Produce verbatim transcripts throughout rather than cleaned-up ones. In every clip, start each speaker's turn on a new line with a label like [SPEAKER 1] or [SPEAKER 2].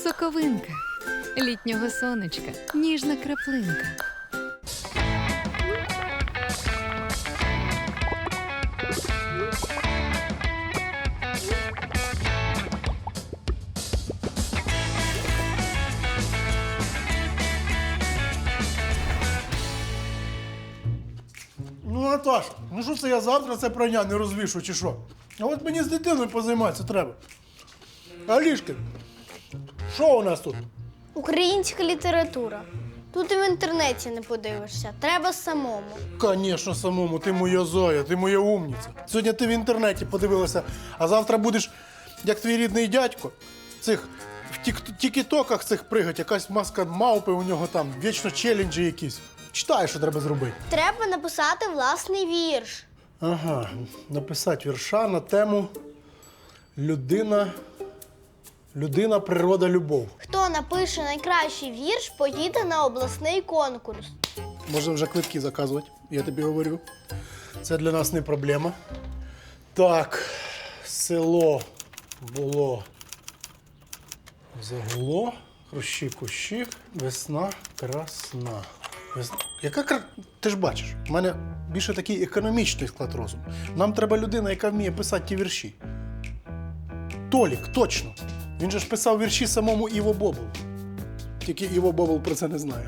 [SPEAKER 1] Соковинка літнього сонечка, ніжна краплинка.
[SPEAKER 2] Ну, Наташ, ну що це я завтра це прання не розвішу, чи що? А от мені з дитиною позайматися треба. Алішки, що у нас тут?
[SPEAKER 3] Українська література. Тут і в інтернеті не подивишся. Треба самому.
[SPEAKER 2] Звісно, самому, ти моя зоя, ти моя умниця. Сьогодні ти в інтернеті подивилася, а завтра будеш, як твій рідний дядько, цих в тік- тікітоках цих пригать, якась маска мавпи у нього там, вічно челенджі якісь. Читай, що треба зробити.
[SPEAKER 3] Треба написати власний вірш.
[SPEAKER 2] Ага, написати вірша на тему людина, людина, природа, любов.
[SPEAKER 3] Хто напише найкращий вірш, поїде на обласний конкурс.
[SPEAKER 2] Можна вже квитки заказувати, я тобі говорю. Це для нас не проблема. Так, село було загуло, хрущі кущі, весна красна. Весна. Яка кра... Ти ж бачиш, в мене більше такий економічний склад розуму. Нам треба людина, яка вміє писати ті вірші. Толік, точно. Він же ж писав вірші самому Іво Бобул. Тільки Іво Бобул про це не знає.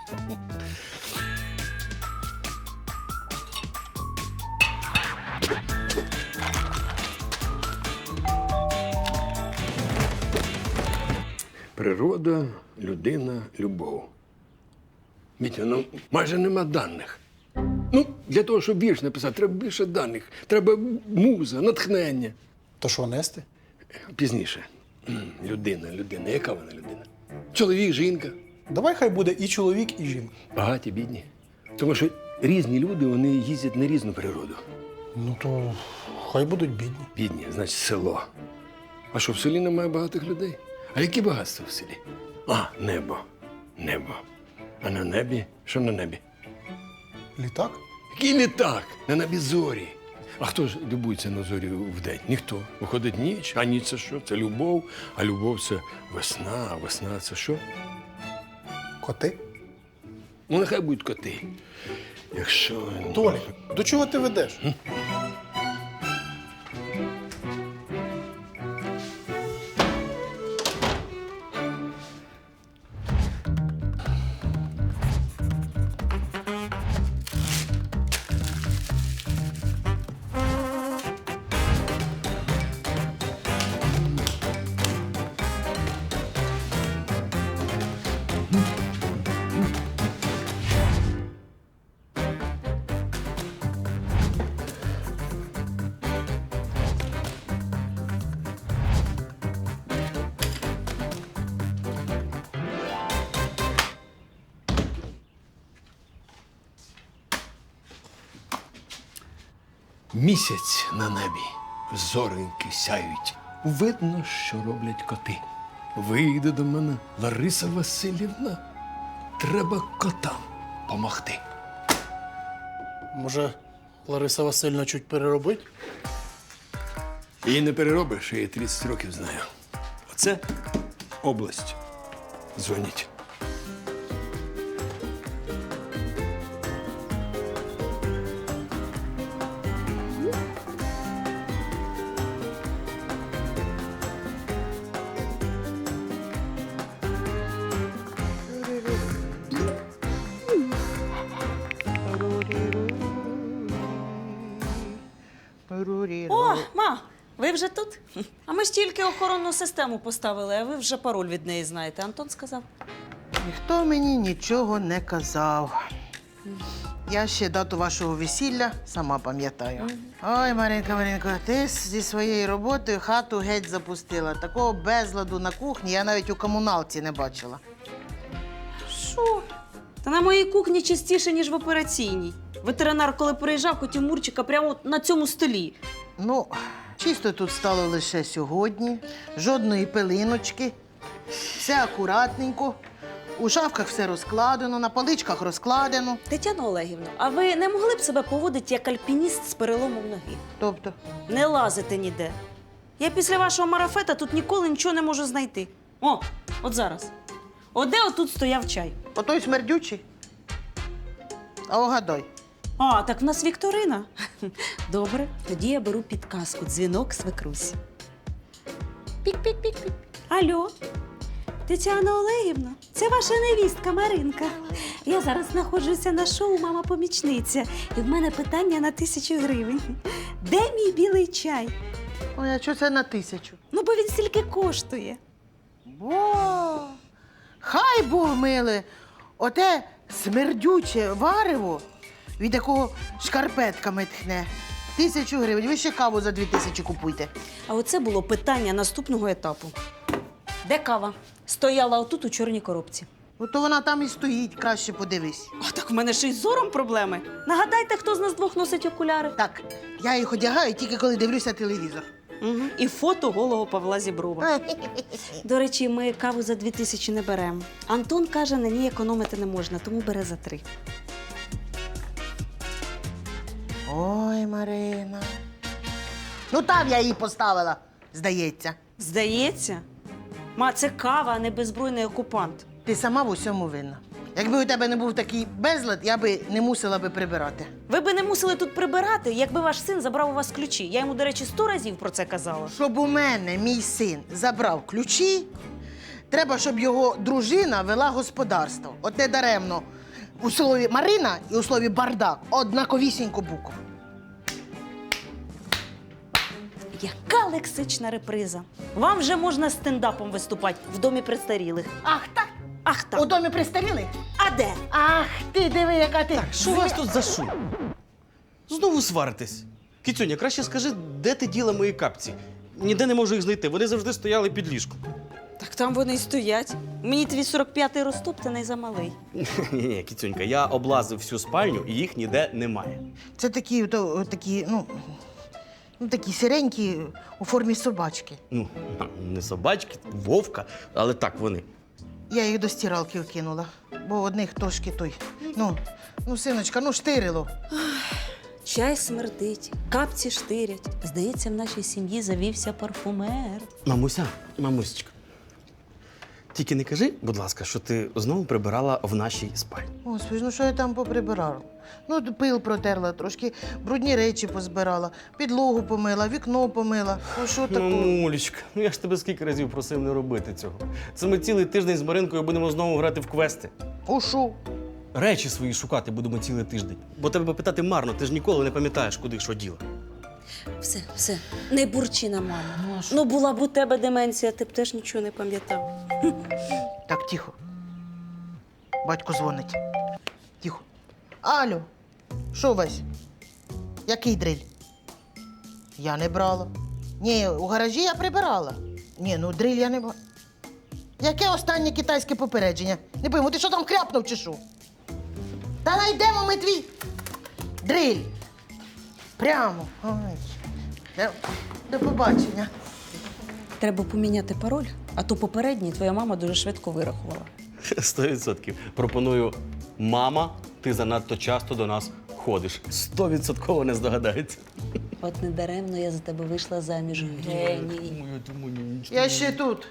[SPEAKER 4] Природа, людина, любов. Мітя, ну майже нема даних. Ну, для того, щоб вірш написати, треба більше даних. Треба муза, натхнення.
[SPEAKER 2] То що, нести?
[SPEAKER 4] Пізніше. М, Людина, людина. Яка вона людина? Чоловік, жінка.
[SPEAKER 2] Давай хай буде і чоловік, і жінка.
[SPEAKER 4] Багаті, бідні. Тому що різні люди, вони їздять на різну природу.
[SPEAKER 2] Ну то хай будуть бідні.
[SPEAKER 4] Бідні, значить, село. А що, в селі немає багатих людей? А які багатства в селі? А, небо. Небо. А на небі? Що на небі?
[SPEAKER 2] Літак?
[SPEAKER 4] Який літак? На небі зорі. А хто ж любується на зорі вдень? Ніхто. Виходить ніч, а ніч це що? Це любов, а любов це весна, а весна це що?
[SPEAKER 2] Коти?
[SPEAKER 4] Ну, нехай будуть коти. Якщо...
[SPEAKER 2] Толі, до чого ти ведеш?
[SPEAKER 4] Місяць на небі, зореньки сяють. Видно, що роблять коти. Вийде до мене Лариса Васильівна. Треба котам помогти.
[SPEAKER 2] Може, Лариса Васильівна чуть переробить?
[SPEAKER 4] Її не переробиш, я її тридцять років знаю. Оце область. Дзвоніть.
[SPEAKER 5] О, ма, ви вже тут? А ми ж тільки охоронну систему поставили, а ви вже пароль від неї знаєте. Антон сказав.
[SPEAKER 6] Ніхто мені нічого не казав. Я ще дату вашого весілля сама пам'ятаю. Ой, Маринка, Маринка, ти зі своєю роботою хату геть запустила. Такого безладу на кухні я навіть у комуналці не бачила.
[SPEAKER 5] Що? Та на моїй кухні частіше, ніж в операційній. Ветеринар, коли приїжджав, хотів Мурчика прямо от на цьому столі.
[SPEAKER 6] Ну, чисто тут стало лише сьогодні, жодної пилиночки, все акуратненько. У шафках все розкладено, на поличках розкладено.
[SPEAKER 5] Тетяно Олегівно, а ви не могли б себе поводити як альпініст з переломом ноги?
[SPEAKER 6] Тобто,
[SPEAKER 5] Не лазити ніде. Я після вашого марафета тут ніколи нічого не можу знайти. О, От зараз. От де отут стояв чай?
[SPEAKER 6] Отой смердючий. А огадай.
[SPEAKER 5] А, так в нас Вікторина. Добре, тоді я беру підказку. Дзвінок свекрусі. Пік-пік-пік-пік. Алло, Тетяна Олегівна, це ваша невістка Маринка. Я зараз знаходжуся на шоу «Мама-помічниця», і в мене питання на тисячу гривень. Де мій білий чай?
[SPEAKER 6] Ой, а що це на тисячу?
[SPEAKER 5] Ну, бо він стільки коштує.
[SPEAKER 6] Бо, хай Бог миле, оте смердюче варево, від якого шкарпетками тхне. Тисячу гривень. Ви ще каву за дві тисячі купуйте.
[SPEAKER 5] А оце було питання наступного етапу. Де кава? Стояла отут у чорній коробці.
[SPEAKER 6] Ото вона там і стоїть, краще подивись.
[SPEAKER 5] А так в мене ще й з зором проблеми. Нагадайте, хто з нас двох носить окуляри.
[SPEAKER 6] Так, я їх одягаю тільки коли дивлюся телевізор.
[SPEAKER 5] Угу. І фото голого Павла Зіброва. До речі, ми каву за дві тисячі не беремо. Антон каже, на ній економити не можна, тому бере за три.
[SPEAKER 6] Ой, Марина. Ну там я її поставила, здається.
[SPEAKER 5] Здається? Ма, це кава, а не беззбройний окупант.
[SPEAKER 6] Ти сама в усьому винна. Якби у тебе не був такий безлад, я би не мусила би прибирати.
[SPEAKER 5] Ви би не мусили тут прибирати, якби ваш син забрав у вас ключі. Я йому, до речі, сто разів про це казала.
[SPEAKER 6] Щоб у мене мій син забрав ключі, треба, щоб його дружина вела господарство. От не даремно. У слові Марина і у слові бардак однаковісінько букв.
[SPEAKER 5] Яка лексична реприза. Вам вже можна стендапом виступати в домі престарілих.
[SPEAKER 6] Ах так?
[SPEAKER 5] Ах так.
[SPEAKER 6] У домі пристаріли?
[SPEAKER 5] А де?
[SPEAKER 6] Ах, ти диви, яка ти.
[SPEAKER 7] Що у вас тут за шум? Знову сваритесь. Кіцюня, краще скажи, де ти діла мої капці? Ніде не можу їх знайти. Вони завжди стояли під ліжком.
[SPEAKER 5] Так там вони й стоять. Мені твій сорок п'ятий розтоптаний замалий.
[SPEAKER 7] Ні-ні, Кіцюнька, я облазив всю спальню і їх ніде немає.
[SPEAKER 6] Це такі, то, такі, ну, ну, такі сиренькі у формі собачки.
[SPEAKER 7] Ну, не собачки, вовка, але так вони.
[SPEAKER 6] Я їх до стиралки вкинула, бо одних трошки той. Ну, ну, синочка, ну штирило.
[SPEAKER 5] Чай смердить, капці штирять. Здається, в нашій сім'ї завівся парфумер.
[SPEAKER 7] Мамуся, мамусечка, тільки не кажи, будь ласка, що ти знову прибирала в нашій спальні.
[SPEAKER 6] Господи, ну що я там поприбирала? Ну, пил протерла трошки, брудні речі позбирала, підлогу помила, вікно помила. Ну що
[SPEAKER 7] Ну,
[SPEAKER 6] таке?
[SPEAKER 7] Мулечка, ну я ж тебе скільки разів просив не робити цього. Це ми цілий тиждень з Маринкою будемо знову грати в квести.
[SPEAKER 6] У що?
[SPEAKER 7] Речі свої шукати будемо цілий тиждень. Бо тебе питати марно, ти ж ніколи не пам'ятаєш, куди що діла.
[SPEAKER 5] Все, все, не бурчи на маму. Ну, була б у тебе деменція, ти б теж нічого не пам'ятав.
[SPEAKER 6] Так, тихо. Батько дзвонить. Тихо. Алло, що Вась? Який дриль? Я не брала. Ні, у гаражі я прибирала. Ні, ну дриль я не брала. Яке останнє китайське попередження? Не пойму, ти що там кряпнув чи що? Та найдемо ми твій дриль. Прямо. Ой. До, до побачення.
[SPEAKER 5] Треба поміняти пароль, а то попередній твоя мама дуже швидко вирахувала.
[SPEAKER 7] Сто відсотків. Пропоную, мама, ти занадто часто до нас ходиш. Стовідсотково не здогадається.
[SPEAKER 5] От недаремно я за тебе вийшла заміж. Геній.
[SPEAKER 6] Я ще тут.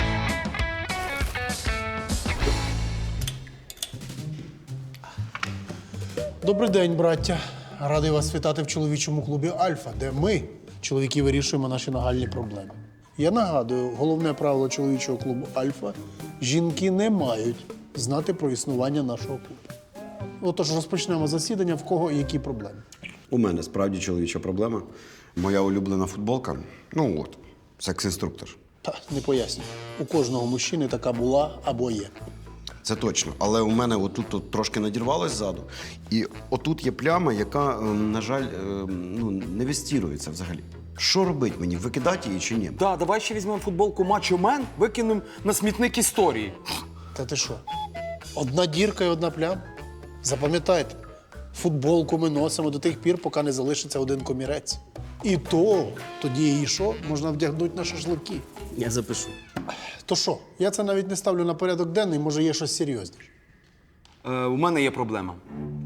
[SPEAKER 2] Добрий день, браття. Радий вас вітати в чоловічому клубі Альфа, де ми, чоловіки, вирішуємо наші нагальні проблеми. Я нагадую, головне правило чоловічого клубу Альфа – жінки не мають знати про існування нашого клубу. Отож, розпочнемо засідання, в кого які проблеми.
[SPEAKER 8] У мене справді чоловіча проблема. Моя улюблена футболка. Ну от, секс-інструктор.
[SPEAKER 2] Та, не пояснюю. У кожного мужчини така була або є.
[SPEAKER 8] Це точно. Але у мене отут от трошки надірвалось ззаду. І отут є пляма, яка, ем, на жаль, ем, ну, не вестірується взагалі. Що робити мені? Викидати її чи ні?
[SPEAKER 9] Да, давай ще візьмемо футболку Мачо Мен, викинемо на смітник історії.
[SPEAKER 2] Та ти що? Одна дірка і одна пляма? Запам'ятайте, футболку ми носимо до тих пір, поки не залишиться один комірець. І то тоді її що? Можна вдягнути на шашлики.
[SPEAKER 7] Я запишу.
[SPEAKER 2] То що? Я це навіть не ставлю на порядок денний, може є щось серйозніше.
[SPEAKER 9] Е, у мене є проблема.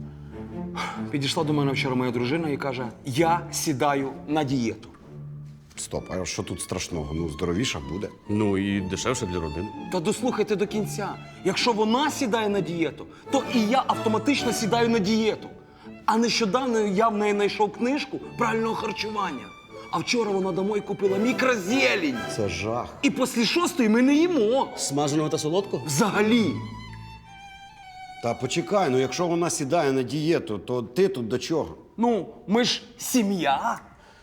[SPEAKER 9] Підійшла до мене вчора моя дружина і каже: я сідаю на дієту.
[SPEAKER 8] Стоп, а що тут страшного? Ну, здоровіша буде.
[SPEAKER 7] Ну і дешевше для родини.
[SPEAKER 9] Та дослухайте до кінця. Якщо вона сідає на дієту, то і я автоматично сідаю на дієту. А нещодавно я в неї знайшов книжку правильного харчування. А вчора вона домой купила мікрозелень.
[SPEAKER 8] Це жах.
[SPEAKER 9] І після шостої ми не їмо.
[SPEAKER 7] Смаженого та солодкого?
[SPEAKER 9] Взагалі.
[SPEAKER 8] Та почекай, ну якщо вона сідає на дієту, то ти тут до чого?
[SPEAKER 9] Ну, ми ж сім'я.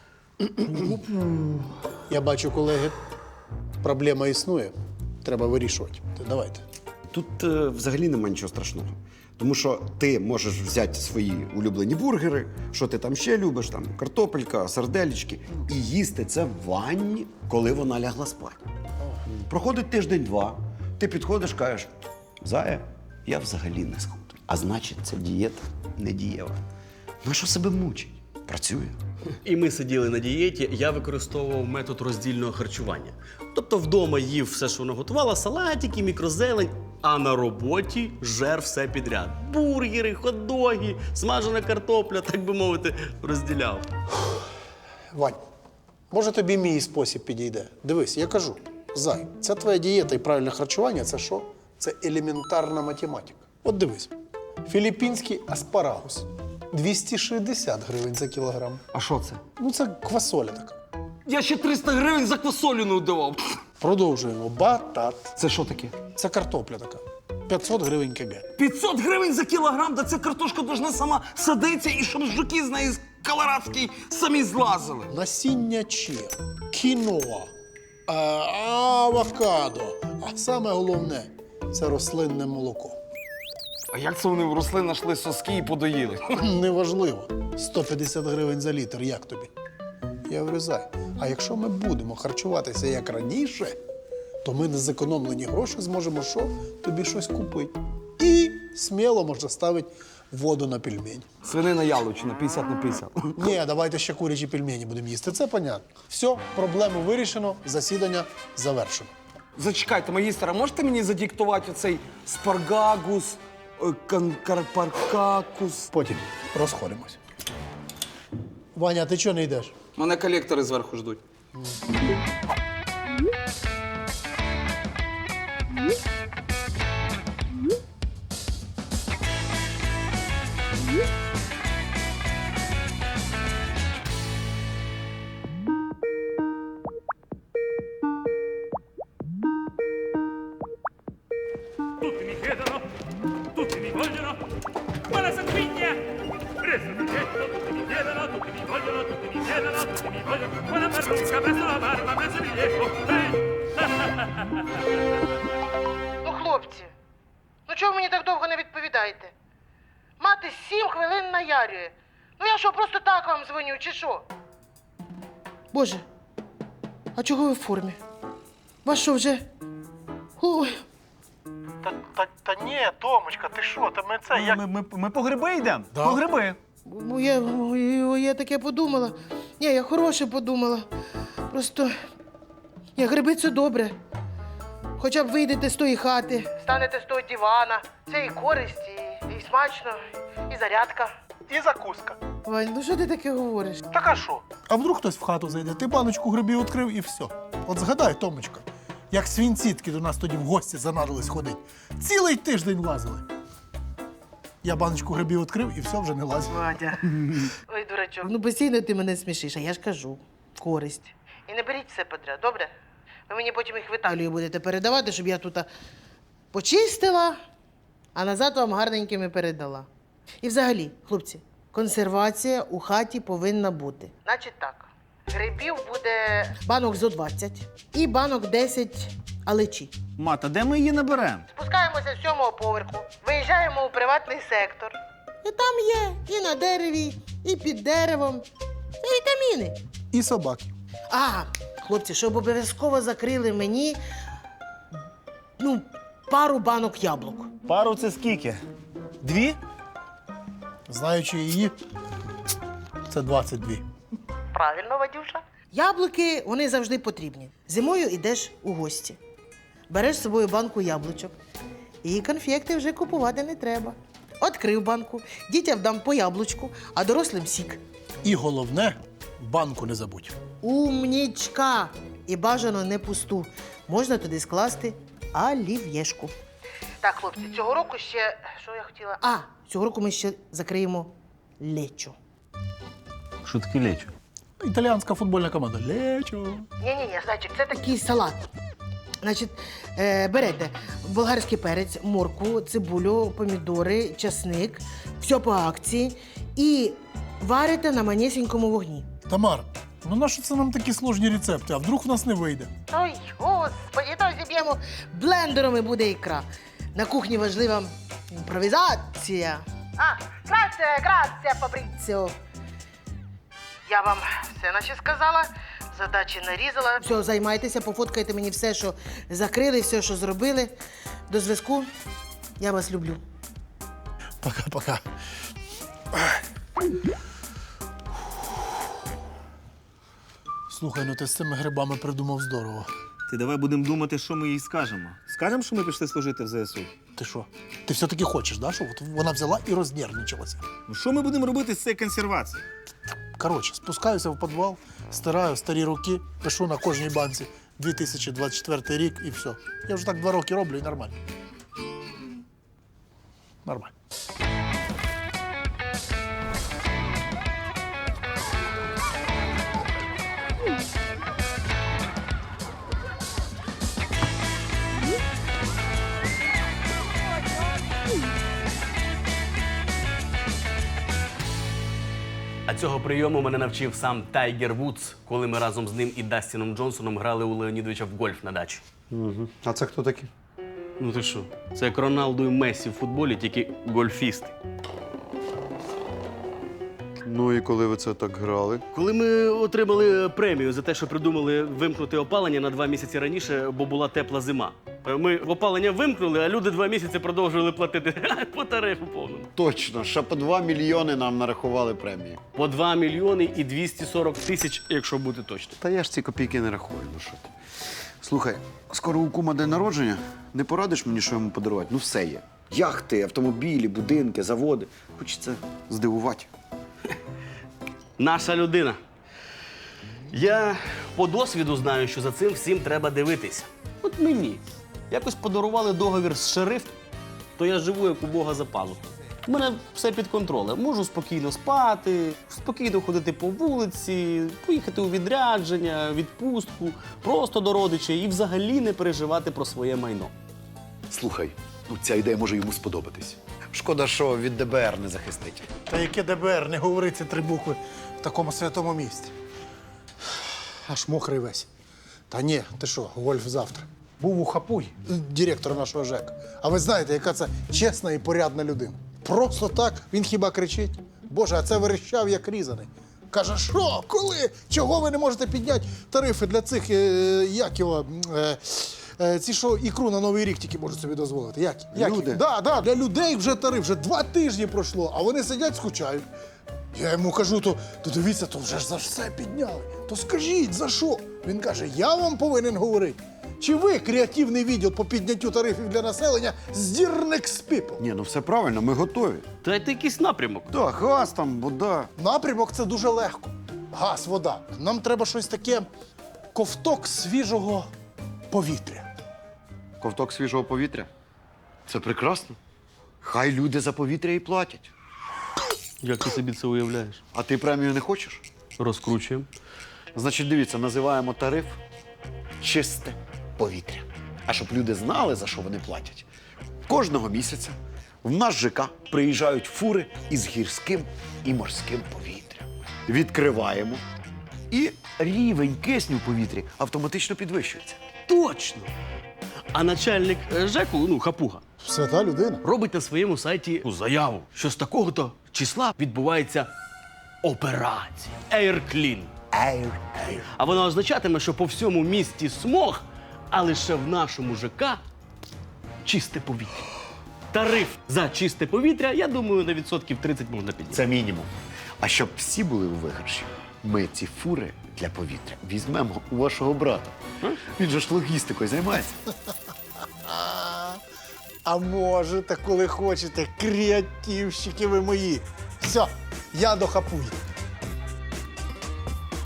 [SPEAKER 2] Я бачу, колеги, проблема існує. Треба вирішувати. То давайте.
[SPEAKER 8] Тут е, взагалі немає нічого страшного. Тому що ти можеш взяти свої улюблені бургери, що ти там ще любиш, там картопелька, сарделечки, і їсти це в ванні, коли вона лягла спати. Проходить тиждень-два, ти підходиш, кажеш, Зая, я взагалі не схуд. А значить, це дієта не дієва. На що себе мучить? Працює.
[SPEAKER 7] І ми сиділи на дієті, я використовував метод роздільного харчування. Тобто вдома їв все, що вона готувала, салатики, мікрозелень, а на роботі жер все підряд. Бургери, хот-доги, смажена картопля, так би мовити, розділяв.
[SPEAKER 2] Вань, може тобі мій спосіб підійде? Дивись, я кажу, Зай, це твоя дієта і правильне харчування – це що? Це елементарна математика. От дивись, філіппінський аспарагус – двісті шістдесят гривень за кілограм.
[SPEAKER 9] А що це?
[SPEAKER 2] Ну, це квасоля така.
[SPEAKER 9] Я ще триста гривень за квасолю не давав.
[SPEAKER 2] Продовжуємо. Батат.
[SPEAKER 9] Це що таке?
[SPEAKER 2] Це картопля така. п'ятсот гривень кг.
[SPEAKER 9] п'ятсот гривень за кілограм, да ця картошка должна сама садитися і щоб жуки з неї з колорадської самі злазили.
[SPEAKER 2] Насіння чия, кіноа, а, авокадо. А саме головне – це рослинне молоко.
[SPEAKER 9] А як це вони в рослин знайшли соски і подоїли?
[SPEAKER 2] Неважливо. сто п'ятдесят гривень за літр, як тобі? Я говорю, Зай, а якщо ми будемо харчуватися як раніше, то ми на зекономлені гроші зможемо що? Тобі щось купити. І сміло можна ставити воду на пельмені.
[SPEAKER 9] Свинина яловичина, п'ятдесят на п'ятдесят.
[SPEAKER 2] Ні, давайте ще курячі пельмені будемо їсти. Це понятно. Все, проблему вирішено, засідання завершено.
[SPEAKER 9] Зачекайте, магістр, а можете мені задиктувати оцей спаргагус, е, кан- карпаркакус?
[SPEAKER 2] Потім розходимось. Ваня, ти чого не йдеш?
[SPEAKER 9] Мене колектори зверху ждуть.
[SPEAKER 10] Tutti mi chiedono, tutti mi vogliono, ma la sanguigna! Presto mi getto, tutti mi chiedono, tutti mi vogliono, tutti mi chiedono, tutti mi vogliono, ma la parrucca, presto la barba, presto il rilievo, ehi!
[SPEAKER 6] Ну, хлопці, ну чого ви мені так довго не відповідаєте? Мати сім хвилин наярює. Ну я що, просто так вам дзвоню, чи що? Боже, а чого ви в формі? Вас що вже? Ой.
[SPEAKER 2] Та, та, та ні, Томочка, ти що? Та ми це як...
[SPEAKER 11] Ми, ми, ми по гриби йдемо?
[SPEAKER 2] Да.
[SPEAKER 11] По гриби.
[SPEAKER 6] Ну, я, ой, я таке подумала. Ні, я хороше подумала. Просто. Ні, гриби це добре. Хоча б вийдете з тої хати. Станете з того дивана. Це і користь, і, і смачно, і зарядка.
[SPEAKER 2] І закуска.
[SPEAKER 6] Вань, ну що ти таке говориш?
[SPEAKER 2] Так а що? А вдруг хтось в хату зайде, ти баночку грибів відкрив і все. От згадай, Томочка, як свінцітки до нас тоді в гості занадились ходить. Цілий тиждень лазили. Я баночку грибів відкрив і все, вже не лазив.
[SPEAKER 6] Вадя. Ой, дурачок. Ну постійно ти мене смішиш, а я ж кажу. Користь. І не беріть все подряд, добре? Ви мені потім їх в Італію будете передавати, щоб я тут почистила, а назад вам гарненькими передала. І взагалі, хлопці, консервація у хаті повинна бути. Значить так, грибів буде банок зо двадцять і банок десять алечі.
[SPEAKER 11] Мата, де ми її наберемо?
[SPEAKER 6] Спускаємося з сьомого поверху, виїжджаємо у приватний сектор. І там є і на дереві, і під деревом. Це вітаміни.
[SPEAKER 2] І собаки.
[SPEAKER 6] А, хлопці, щоб обов'язково закрили мені, ну, пару банок яблук.
[SPEAKER 11] Пару це скільки? Дві?
[SPEAKER 2] Знаючи її, це двадцять дві.
[SPEAKER 6] Правильно, Вадюша. Яблуки, вони завжди потрібні. Зимою йдеш у гості. Береш з собою банку яблучок. І конфекти вже купувати не треба. Открив банку, дітям дам по яблучку, а дорослим сік.
[SPEAKER 2] І головне, банку не забудь.
[SPEAKER 6] Умнічка! І бажано не пусту. Можна туди скласти олів'єшку. Так, хлопці, цього року ще. Що я хотіла? А, цього року ми ще закриємо лечо.
[SPEAKER 11] Що таке лечо?
[SPEAKER 2] Італіянська футбольна команда. Лечо.
[SPEAKER 6] Ні-ні-ні, значить, це такий салат. Значить, е, берете болгарський перець, моркву, цибулю, помідори, часник, все по акції і варите на манісінькому вогні.
[SPEAKER 2] Тамар, ну нащо це нам такі сложні рецепти, а вдруг в нас не вийде?
[SPEAKER 6] Ой, господи, то зіб'ємо блендером і буде ікра. На кухні важлива імпровізація. А, грація, грація, Фабріціо. Я вам все наче сказала, задачі нарізала. Все, займайтеся, пофоткайте мені все, що закрили, все, що зробили. До зв'язку. Я вас люблю.
[SPEAKER 2] Пока-пока. Слухай, ну ти з цими грибами придумав здорово.
[SPEAKER 11] Ти давай будемо думати, що ми їй скажемо. Скажемо, що ми пішли служити в ЗСУ?
[SPEAKER 2] Ти що? Ти все-таки хочеш, да? Щоб от вона взяла і рознервничалася.
[SPEAKER 11] Ну що ми будемо робити з цією консервацією?
[SPEAKER 2] Коротше, спускаюся в підвал, стираю старі руки, пишу на кожній банці дві тисячі двадцять четвертий рік і все. Я вже так два роки роблю і нормально. Нормально.
[SPEAKER 7] А цього прийому мене навчив сам Тайгер Вудс, коли ми разом з ним і Дастіном Джонсоном грали у Леонідовича в гольф на дачі.
[SPEAKER 8] Угу. А це хто такі?
[SPEAKER 7] Ну ти що? Це як Роналду і Мессі в футболі, тільки гольфісти.
[SPEAKER 8] Ну і коли ви це так грали?
[SPEAKER 7] Коли ми отримали премію за те, що придумали вимкнути опалення на два місяці раніше, бо була тепла зима. Ми опалення вимкнули, а люди два місяці продовжували платити по тарифу повному.
[SPEAKER 8] Точно, ще по два мільйони нам нарахували премії.
[SPEAKER 7] По два мільйони і двісті сорок тисяч, якщо бути точним.
[SPEAKER 8] Та я ж ці копійки не рахую, ну що ти. Слухай, скоро у кума день народження. Не порадиш мені, що йому подарувати? Ну все є. Яхти, автомобілі, будинки, заводи. Хочеться здивувати.
[SPEAKER 7] Наша людина. Я по досвіду знаю, що за цим всім треба дивитись. От мені. Якось подарували договір з шерифом, то я живу, як у Бога за пазухою. У мене все під контролем. Можу спокійно спати, спокійно ходити по вулиці, поїхати у відрядження, відпустку, просто до родичів і взагалі не переживати про своє майно.
[SPEAKER 12] Слухай, ну ця ідея може йому сподобатись.
[SPEAKER 8] Шкода, що від ДБР не захистить.
[SPEAKER 2] Та яке ДБР, не говори ці три букви в такому святому місці. Аж мокрий весь. Та ні, ти що, гольф завтра. Був у Хапуй, директор нашого ЖЕК. А ви знаєте, яка це чесна і порядна людина. Просто так, він хіба кричить. Боже, а це верещав, як різаний. Каже, що, коли, чого ви не можете підняти тарифи для цих, е, як його, е, е, ці, що ікру на Новий рік тільки можуть собі дозволити. Як? Як?
[SPEAKER 8] Люди.
[SPEAKER 2] Да, да, для людей вже тариф, вже два тижні пройшло, а вони сидять, скучають. Я йому кажу, то, то дивіться, то вже ж за все підняли. То скажіть, за що? Він каже, я вам повинен говорити. Чи ви, креативний відділ по підняттю тарифів для населення, з Dirnex People?
[SPEAKER 8] Ні, ну все правильно, ми готові.
[SPEAKER 7] Та це якийсь напрямок.
[SPEAKER 8] Так, газ там, вода.
[SPEAKER 2] Напрямок – це дуже легко. Газ, вода. Нам треба щось таке, ковток свіжого повітря.
[SPEAKER 8] Ковток свіжого повітря. Це прекрасно. Хай люди за повітря і платять.
[SPEAKER 7] Як ти собі це уявляєш?
[SPEAKER 8] А ти премію не хочеш?
[SPEAKER 7] Розкручуємо.
[SPEAKER 8] Значить, дивіться, називаємо тариф чисте повітря. А щоб люди знали, за що вони платять. Кожного місяця в наш ЖК приїжджають фури із гірським і морським повітрям. Відкриваємо, і рівень кисню в повітрі автоматично підвищується.
[SPEAKER 7] Точно! А начальник е, ЖЕКу, ну, Хапуга,
[SPEAKER 2] Свята людина.
[SPEAKER 7] робить на своєму сайті ну, заяву, що з такого-то числа відбувається операція Air Clean.
[SPEAKER 8] Ейр,
[SPEAKER 7] А вона означатиме, що по всьому місті смог, а лише в нашому ЖК чисте повітря. Тариф за чисте повітря, я думаю, на відсотків тридцять можна підняти.
[SPEAKER 8] Це мінімум. А щоб всі були у виграші, ми ці фури для повітря візьмемо у вашого брата. Він же ж логістикою займається.
[SPEAKER 2] А можете, коли хочете, креативщики ви мої. Все, я до Хапуї.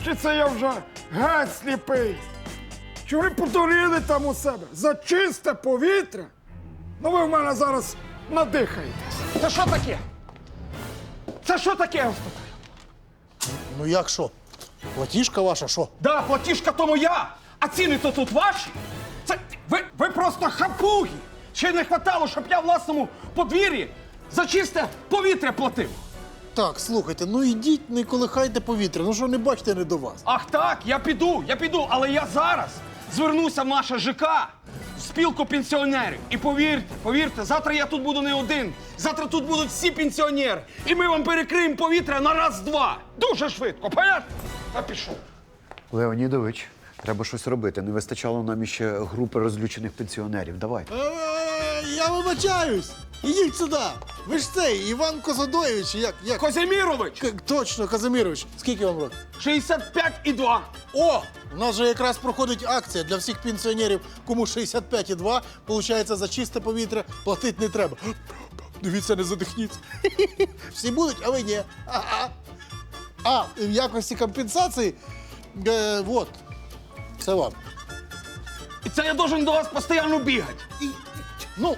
[SPEAKER 13] чи це я вже геть сліпий? Чи ви подуріли там у себе за чисте повітря? Ну ви в мене зараз надихаєтесь. Це що таке? Це що таке, я вас питаю?
[SPEAKER 2] Ну як що? Платіжка ваша, що?
[SPEAKER 13] Да, платіжка то моя, а ціни то тут ваші. Це ви, ви просто хапуги. Ще не хватало, щоб я в власному подвір'ї за чисте повітря платив.
[SPEAKER 2] Так, слухайте, ну ідіть, не колихайте повітря. Ну що не бачите, не до вас.
[SPEAKER 13] Ах так, я піду, я піду, але я зараз звернуся в наше ЖК, в спілку пенсіонерів. І повірте, повірте, завтра я тут буду не один. Завтра тут будуть всі пенсіонери. І ми вам перекриємо повітря на раз-два. Дуже швидко, понятно? А пішов.
[SPEAKER 8] Леонідович, треба щось робити. Не вистачало нам іще групи розлючених пенсіонерів. Давай.
[SPEAKER 2] Е, Я вибачаюсь! Ідіть сюди! Ви ж цей, Іван Козадоєвич, як? як?
[SPEAKER 13] Козимірович!
[SPEAKER 2] К- Точно, Казимірович. Скільки вам років?
[SPEAKER 13] шістдесят п'ять і два.
[SPEAKER 2] О! У нас же якраз проходить акція для всіх пенсіонерів, кому шістдесят п'ять і два, получається, за чисте повітря платити не треба. Дивіться, не задихніться. Всі будуть, а ви ні. Ага. А, і в якості компенсації, е, от, це вам.
[SPEAKER 13] І це я должен до вас постійно бігати.
[SPEAKER 2] І, ну,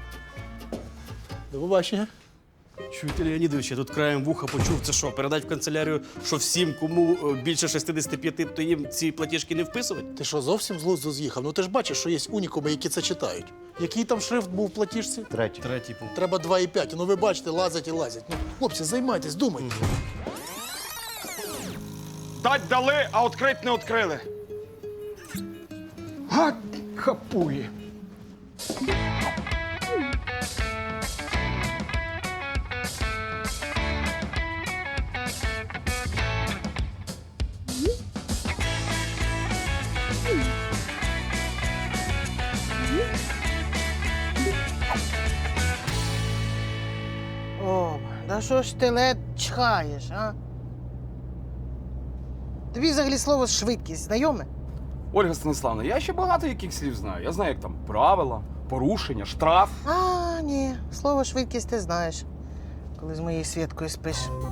[SPEAKER 2] до побачення.
[SPEAKER 7] Чуєте, Леонідович, я тут краєм вуха почув, це що, передать в канцелярію, що всім, кому е, більше шістдесят п'ять, то їм ці платіжки не вписувати?
[SPEAKER 2] Ти що, зовсім з глузду з'їхав? Ну ти ж бачиш, що є унікуми, які це читають. Який там шрифт був в платіжці?
[SPEAKER 8] Третій.
[SPEAKER 7] Третій пункт.
[SPEAKER 2] Треба два і п'ять. Ну ви бачите, лазять і лазять. Ну, хлопці, займайтесь, думайте.
[SPEAKER 13] Дать дали, а відкрити не відкрили. Гад, хапує.
[SPEAKER 6] О, да що ж ти лед чхаєш, а? Тобі взагалі слово швидкість знайоме?
[SPEAKER 9] Ольга Станіславовна, я ще багато яких слів знаю. Я знаю, як там правила, порушення, штраф.
[SPEAKER 6] А, ні, слово швидкість ти знаєш, коли з моєю Світкою спиш.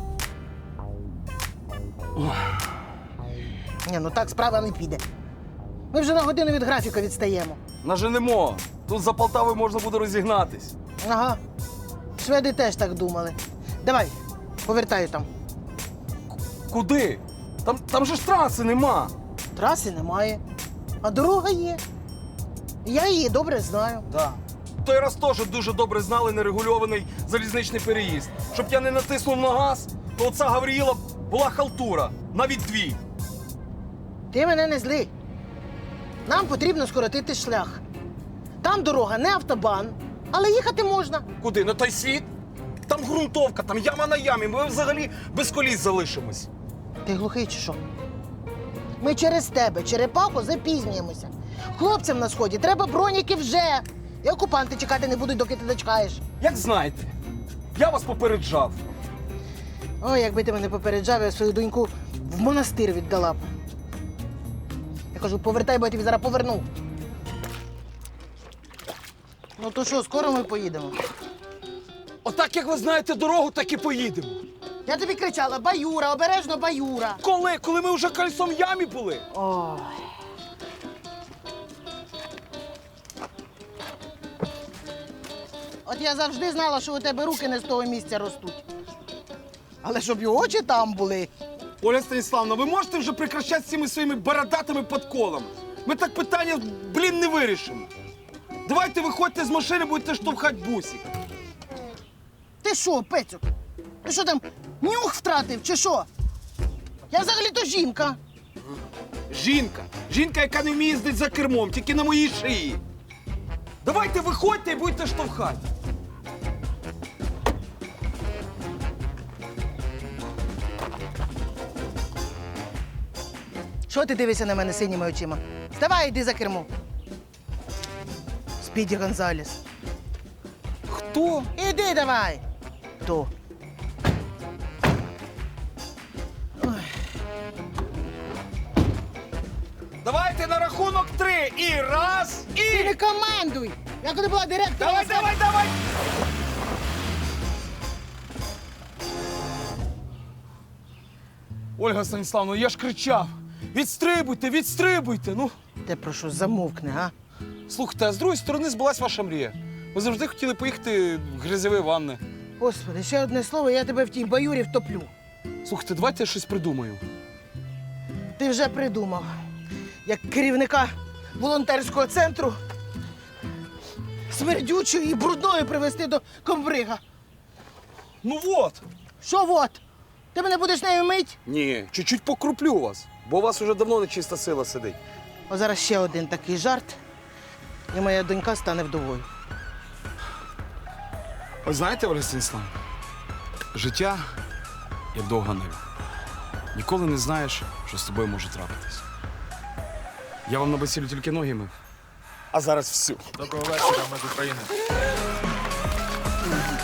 [SPEAKER 6] Ні, ну так справа не піде. Ми вже на годину від графіка відстаємо.
[SPEAKER 9] Наженемо. Тут за Полтавою можна буде розігнатись.
[SPEAKER 6] Ага. Шведи теж так думали. Давай, повертаю там.
[SPEAKER 9] Куди? Там, там же ж траси нема.
[SPEAKER 6] Траси немає, а дорога є. Я її добре знаю.
[SPEAKER 9] Да. Той раз теж дуже добре знали нерегульований залізничний переїзд. Щоб я не натиснув на газ, то оця Гавріїла була халтура. Навіть дві.
[SPEAKER 6] Ти мене не зли. Нам потрібно скоротити шлях. Там дорога не автобан, але їхати можна.
[SPEAKER 9] Куди? На той світ? Там ґрунтовка, там яма на ямі. Ми взагалі без коліс залишимось.
[SPEAKER 6] Ти глухий чи що? Ми через тебе, черепаху, запізнюємося. Хлопцям на сході треба броніки вже. І окупанти чекати не будуть, доки ти дочекаєш.
[SPEAKER 9] Як знаєте, я вас попереджав.
[SPEAKER 6] Ой, якби ти мене попереджав, я свою доньку в монастир віддала б. Я кажу, повертай, бо я тобі зараз поверну. Ну то що, скоро ми поїдемо?
[SPEAKER 9] Отак, як ви знаєте дорогу, так і поїдемо.
[SPEAKER 6] Я тобі кричала, баюра, обережно баюра.
[SPEAKER 9] Коли? Коли ми вже кольцом в ямі були?
[SPEAKER 6] Ой. От я завжди знала, що у тебе руки не з того місця ростуть. Але щоб і очі там були.
[SPEAKER 9] Оля Станіславовна, ви можете вже прекращати з цими своїми бородатими подколами? Ми так питання, блін, не вирішимо. Давайте виходьте з машини, будете штовхати бусик.
[SPEAKER 6] Ти що, Петю? Ти що там, нюх втратив чи що? Я взагалі-то жінка.
[SPEAKER 9] Жінка. Жінка, яка не вміє їздити за кермом, тільки на моїй шиї. Давайте виходьте і будете штовхати.
[SPEAKER 6] Що ти дивишся на мене синіми очима? Вставай, йди за кермо. Спіді Гонзалес.
[SPEAKER 9] Хто?
[SPEAKER 6] Іди давай. Хто?
[SPEAKER 9] Давайте на рахунок три. І раз, і...
[SPEAKER 6] Ти не командуй! Я коли була директором...
[SPEAKER 9] Давай, давай, давай!
[SPEAKER 13] Ольга Станіславовна, я ж кричав. Відстрибуйте, відстрибуйте. Ну,
[SPEAKER 6] Ти прошу, замовкни, а?
[SPEAKER 13] слухайте, а з другої сторони збулась ваша мрія. Ви завжди хотіли поїхати в грязьові ванни.
[SPEAKER 6] Господи, ще одне слово, я тебе в тій баюрі втоплю.
[SPEAKER 13] Слухайте, давайте я щось придумаю.
[SPEAKER 6] Ти вже придумав, як керівника волонтерського центру смердючою і брудною привезти до комбрига.
[SPEAKER 13] Ну от.
[SPEAKER 6] Що от? Ти мене будеш нею мить?
[SPEAKER 13] Ні, чуть-чуть покруплю вас, бо у вас уже давно нечиста сила сидить.
[SPEAKER 6] О, зараз ще один такий жарт, і моя донька стане вдовою.
[SPEAKER 13] Ви знаєте, Ольга Станіславовна, життя як довга нива. Ніколи не знаєш, що з тобою може трапитись. Я вам на весіллю тільки ноги мив, а зараз всю.
[SPEAKER 10] Доброго вечора, ми з України.